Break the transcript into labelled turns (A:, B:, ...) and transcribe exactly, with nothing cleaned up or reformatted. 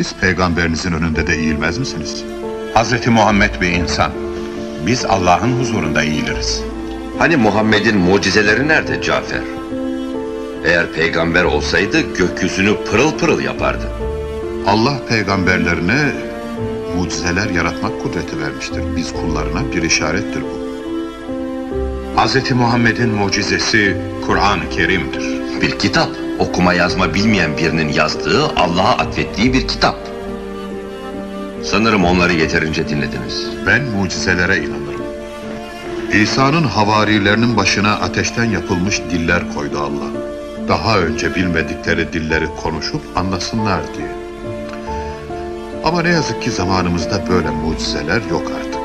A: Siz peygamberinizin önünde de eğilmez misiniz?
B: Hazreti Muhammed bir insan. Biz Allah'ın huzurunda eğiliriz.
C: Hani Muhammed'in mucizeleri nerede Cafer? Eğer peygamber olsaydı gökyüzünü pırıl pırıl yapardı.
A: Allah peygamberlerine mucizeler yaratmak kudreti vermiştir. Biz kullarına bir işarettir bu.
B: Hazreti Muhammed'in mucizesi Kur'an-ı Kerim'dir.
C: Bir kitap, okuma yazma bilmeyen birinin yazdığı, Allah'a atfettiği bir kitap. Sanırım onları yeterince dinlediniz.
A: Ben mucizelere inanırım. İsa'nın havarilerinin başına ateşten yapılmış diller koydu Allah. Daha önce bilmedikleri dilleri konuşup anlasınlar diye. Ama ne yazık ki zamanımızda böyle mucizeler yok artık.